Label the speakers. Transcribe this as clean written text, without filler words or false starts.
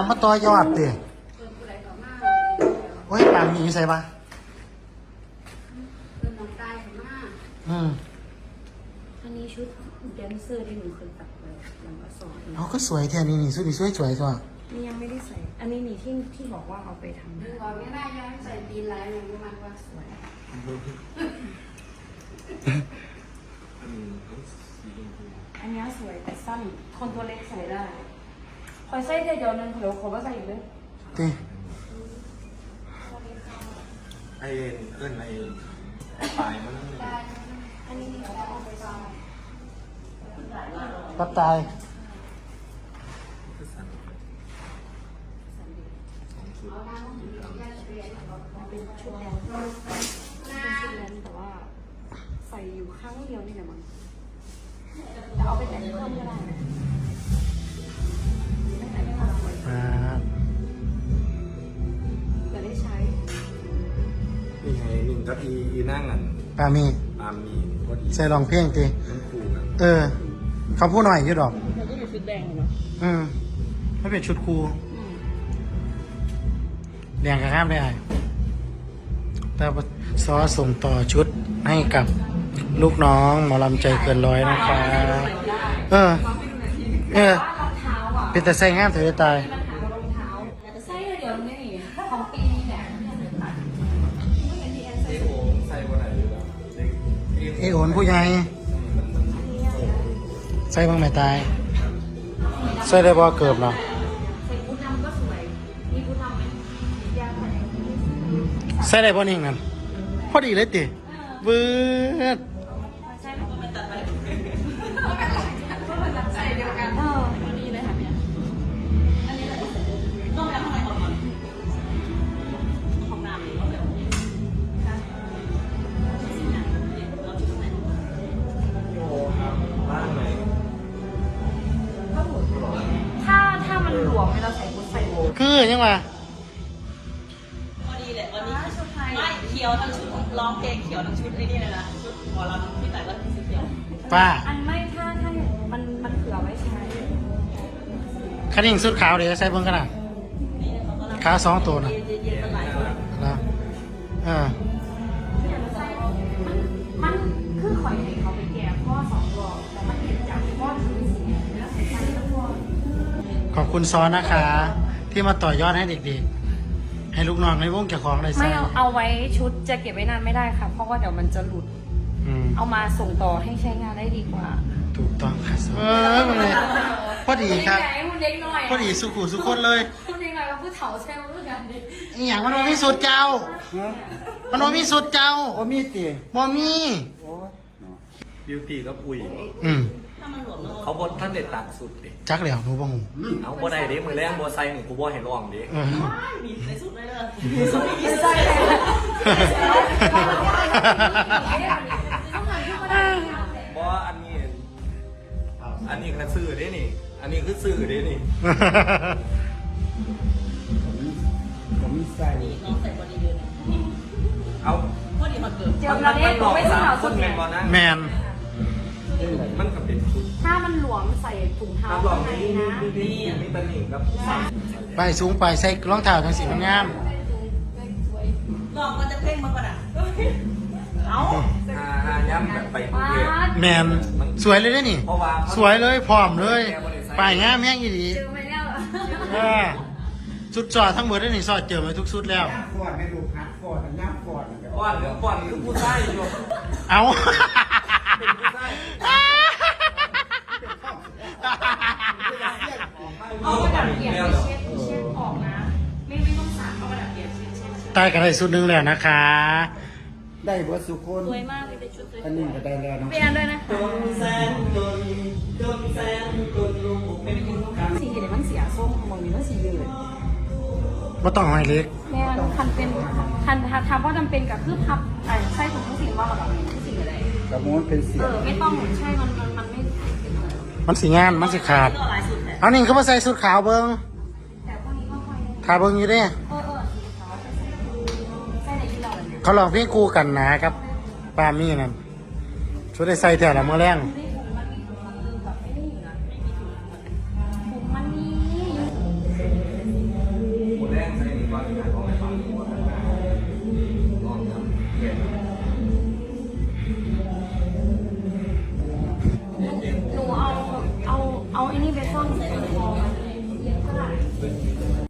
Speaker 1: มาต่อยอดดิโอ้ยปางมีใส่ปะ
Speaker 2: อันนี้ชุดแดนเซอร์ที่หนูเคยตัดไปยังมาสอน
Speaker 1: เขาก็สวยแท้นี่ชุดนี้สวยสวยจ้ะ
Speaker 2: นี่ยังไม่ได้ใส่อันนี้นี่ที่บอกว่าเอาไปทำ
Speaker 3: ดึงออกไม่ได้ย้อนใส่ตีนลายมันมันว่าสวย
Speaker 2: อันนี้สวยแต่สั้นคนตัวเล็กใส่ได้คอยใส่เดียวนึงเดี๋ยวขอว่าใส่อีกเลย
Speaker 1: ดิ
Speaker 4: ไอเอิ้นไอปลายมัน
Speaker 2: อันนี้เดี๋ยวเอาไปซ้อม
Speaker 1: ปัดตาย
Speaker 2: เป็นชุดแดนแต่ว่าใส่อยู่ครั้งเดียวนี่แหละมั้งแต่เอาไปแต่งเพิ่มก็ได้ไม่แต่งเพิ่มจะได้ใช้
Speaker 4: นี่ไงหนึ่งกับอีนั่งอัน
Speaker 1: ปามี
Speaker 4: ปามมีพอดี
Speaker 1: ใส่รองเพลงดิ
Speaker 4: มันคู่กัน
Speaker 1: เขาพูดหน่อยอยู่ดอก
Speaker 2: เราก็อยู่ชุดแดงเนาะ
Speaker 1: ไม่เป็นชุดครูแดงกับข้ามได้แต่ซอส่งต่อชุดให้กับลูกน้องหมอลำใจเกินร้อยนะคะเป็นแต่ใส่งามเถอะตาย
Speaker 2: ใส่เดี๋ยวนี้ของปีนี้แหละ
Speaker 4: ไอโอใส่วันไหนอยู่แล้ว
Speaker 1: ไอ้โอนผู้ใหญ่ใส่บ้างไหมตายใส่ได้บ่เกือบเนาะ
Speaker 2: ใส่บูทำก็สวยมีบูทำไหมยากไหม
Speaker 1: ใส่ได้บ่นิ่งนั่นพอดีเลยติเบิด
Speaker 2: ใช่ไหมมันตัดไปใส่เดียวกันตัวนี้เลยค่ะเนี่ยอันนี้แหละต้องแล้วข้างในของน้ำนี่ต้องแบบถ้ามันหลวมเราใส่บูทใส่โบ
Speaker 1: คือยังวะ
Speaker 5: พอดีแหละวันนี้ชุดไทยไม่เขียวทั้งชุดร้องเพลงเขียวทั้งชุดไอ้นี่เลยนะชุดหมอลำที่แต่ละสีเขียว
Speaker 1: ป้า
Speaker 2: อันไม่ถ้ามันเผื่อไว้ใช้
Speaker 1: คันนิ่งสุดขาวเดี๋ยวใส่เบิ่งกันนะ
Speaker 5: นี่เขาก็รับ
Speaker 1: ขาว2ตัวนะ
Speaker 5: เย็นๆมาหลายวัน
Speaker 1: นะ
Speaker 2: มันคือข่อยให้เขาไปแก่พ่อ2 รอบแต่มันเห็นจากพ่อถึง4แล้วใส่ชั้นทั้งพ่อ
Speaker 1: ขอบคุณซอนะคะ ที่มาต่อยอดให้เด็กๆ ให้ลูกน้องในวงเจ้าของได้ใส่
Speaker 2: ไม่เอาไว้ชุดจะเก็บไว้นานไม่ได้ค่ะ เพราะว่าเดี๋ยวมันจะหลุด เอามาส่งต่อให้ใช้งานได้ดีกว่า
Speaker 1: ถูกต้องค่ะมันเลยพอดีครับ
Speaker 2: คุณเด็กหน่อย
Speaker 1: พอดีสุขุสุขคนเลย
Speaker 2: คุณเด็กหน่อยว่าผู้เฒ่าใช่ไหมรู้กันดิ
Speaker 1: อหย่างมันบ่มีสุดเจ้า มันบ่มีสุดเจ้า
Speaker 6: โอ้มีตี
Speaker 1: บ่มี
Speaker 4: บิวตี้กับอุ้ย
Speaker 5: ถ้ามันหลวมแล้ว
Speaker 4: เขาบดท่านเด็ดตัดสุดดิ
Speaker 1: จักแล้วหนูบ่ฮู้
Speaker 4: เอาบ่ได้เด้มือแรงบ่ใส่หมูกูบ่ให้ร้องดิ
Speaker 5: มีในสุดเลยเลย
Speaker 2: ใช่เลย
Speaker 4: บ่อันนี้คือซื้อเด้นี่ อันนี้คือซื้อเด้นี่
Speaker 6: ผมมีใส่
Speaker 5: นี่น้องใส่บอดี้เยอะนะ
Speaker 4: เอา
Speaker 5: พอดีมาเกิด
Speaker 2: เจอเราเนี่ยไม่ใช่เรา
Speaker 4: ค
Speaker 2: สุ
Speaker 4: น
Speaker 2: ด
Speaker 4: แม่
Speaker 2: เนี่ย
Speaker 4: นบ่นะ
Speaker 1: แมน
Speaker 4: มันก็เป็นชุด
Speaker 2: ถ้ามันหลวมใส่ถุงเท้า
Speaker 4: น้ำหลอ
Speaker 2: ข้าง
Speaker 4: ม
Speaker 2: ใน
Speaker 4: นี่
Speaker 2: นะ
Speaker 4: มีตะหนิงครับ
Speaker 1: ไปสูงไปใส่รองเท้าจังสีงาม
Speaker 5: ลองมันจะเพ่งมาก่อนอ่ะเอา
Speaker 4: ย้ำแบบไปกรุงเทพ
Speaker 1: แมนสวยเลยเด้นี่
Speaker 4: เพราะว่า
Speaker 1: สวยเลยพร้อมเลยป้ายงามแห้งอีหลี
Speaker 2: เจอไปแล้ว
Speaker 1: สุดจอดทั้งหมดได้นี่สอดเจอมาทุกสุดแล้ว
Speaker 6: ฟอดไม่ดูคัดฟอดแต่ย่ำฟอด
Speaker 4: ก่อนเรื่องก่อนคือผู้ชายอยู่
Speaker 1: เอา
Speaker 4: เป็นผู้ชาย
Speaker 2: เอากระดาษเปียกไปเช็ดออกนะ ไม่ต้องสาดเอากระดาษเปียกเช็ด
Speaker 1: ตายกันได้สุดหนึงแล้วนะคะ
Speaker 6: ได้เบิร์สุคน
Speaker 2: สวยมากเลยเป็นชุดสวย
Speaker 6: อันนี้ก็ได้แล้วเนาะ
Speaker 2: เปลี่ยนด้วยนะ
Speaker 4: จนแสนจนแสนจนลูกเป็นคนกลาง
Speaker 2: สีเห็นมันเสียส้มมองนี้มันสียืด
Speaker 1: บ่ต้องให้เล็ก
Speaker 2: แม่คันเป็นคันทำว่าจำเป็นกับคือพับไส้ถุงทุกสิ่งว่าแบบทุกสิ่งอะไร
Speaker 6: กระมวลเป็นเสียง
Speaker 2: ไม่ต้องใช่มันไม่
Speaker 1: มันสิงานมันสิขาด
Speaker 5: ก็หลายสุดแหละ
Speaker 1: เอานี่เขามาใส่สุดขาวเบิ่ง
Speaker 2: แต่พวกนี้ก็ค่อย
Speaker 1: ทาเบิ่งอยู่เด้
Speaker 2: สีขาวใส่ในที่เราเลย
Speaker 1: เขาลองเพลงคู่กันนะครับปามี่นั่นช่วยได้ใส่แถวละเมื่อแรง
Speaker 2: มันมีถุงมันแบบไม่ได้อยู่นะถุงมันมีซ่อนใส่คอมัน